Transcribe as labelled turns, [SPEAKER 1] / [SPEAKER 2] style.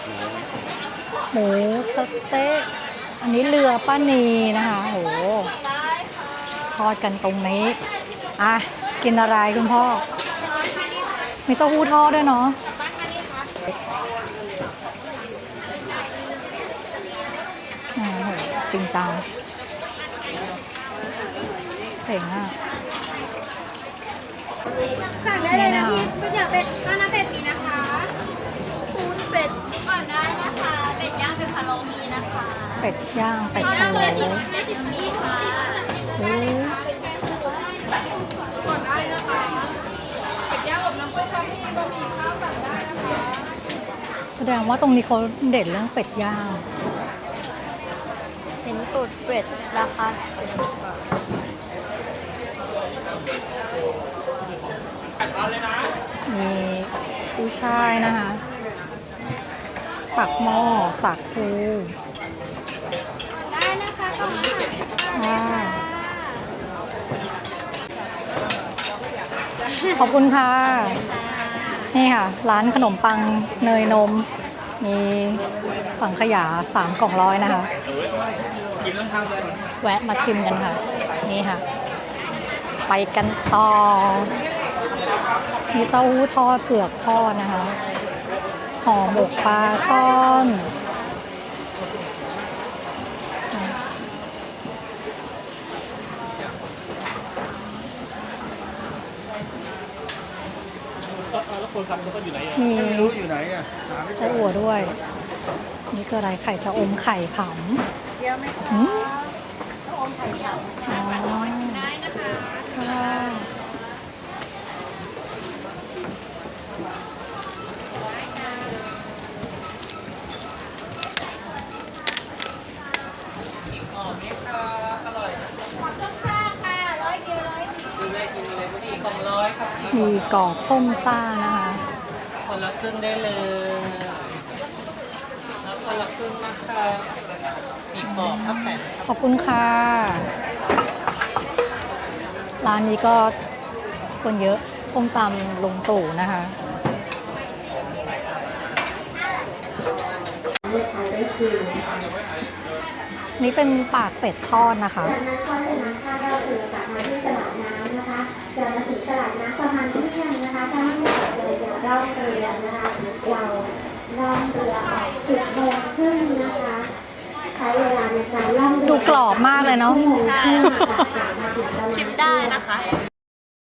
[SPEAKER 1] หมูสะเต๊ะอันนี้เรือป้านีนะคะโหทอดกันตรงนี้อ่ะกินอะไรคุณพ่อมีเต้าหู้ทอดด้วยเนาะโอ้โหจริงจังเจ๋งอ่ะ
[SPEAKER 2] สั่งได้เลยนะพี่ก๋วยเตี๋ยวเป็ดข้าวหน้าเป็ดมีนะคะปูนเป็ดก่อนได้นะคะเป็ดย่างเป็นพะโล้มีนะคะ
[SPEAKER 1] เป็ดย่างเป็ดพะโล้
[SPEAKER 2] 10มีค่ะ ก่อนได้นะคะเป็ดย่างอบน้ำข้นบะหมี่ข้าวสั่งได้นะคะ
[SPEAKER 1] แสดงว่าตรงนี้เขาเด็ดเรื่องเป็ดย่าง
[SPEAKER 2] เห็นตูดเป็ดราคา
[SPEAKER 1] มีกุ้ยช่ายนะคะปักหม้อสักคู
[SPEAKER 2] ได้นะคะก็มา
[SPEAKER 1] ขอบคุณค่ะ นี่ค่ะ ร้านขนมปังเนยนม มีสังขยา3 กล่องร้อยนะคะ แวะมาชิมกันค่ะ นี่ค่ะ ไปกันต่อ มีเต้าหู้ทอดเผือกทอดนะคะห่อหมกปลาช่อนมีไส้อั่วด้วย นี่คืออะไรไข่ชะอมไข่ผำชะอมไข่ผำได้นะคะค่ะมีกรอบส้มซ่านะคะ
[SPEAKER 3] คนละครึ่งได้เลยแล้วคนละครึ่งนะคะมีกรอบข้าวแตน
[SPEAKER 1] ขอบคุณค่ะ ร้านนี้ก็คนเยอะส้มตำลุงตู่นะคะนี่เป็นปากเป็ดทอดนะคะ
[SPEAKER 4] จากนั้นก็เป็นน้ำชาเราเรือกลับมาที่ตลาดน้ำนะคะเดินมาถึงตลาดน้ำประมาณเที่ยงนะคะถ้าไม่หมดเลยอย่าล่องเรือนะคะเราล่องเรือออก10 โมงครึ่งนะคะใช้เวลาในการล่องเรือ
[SPEAKER 1] ดูกรอบมากเลยเนาะ
[SPEAKER 4] 1 โมงครึ่งค่ะ
[SPEAKER 2] ชิมได้นะคะ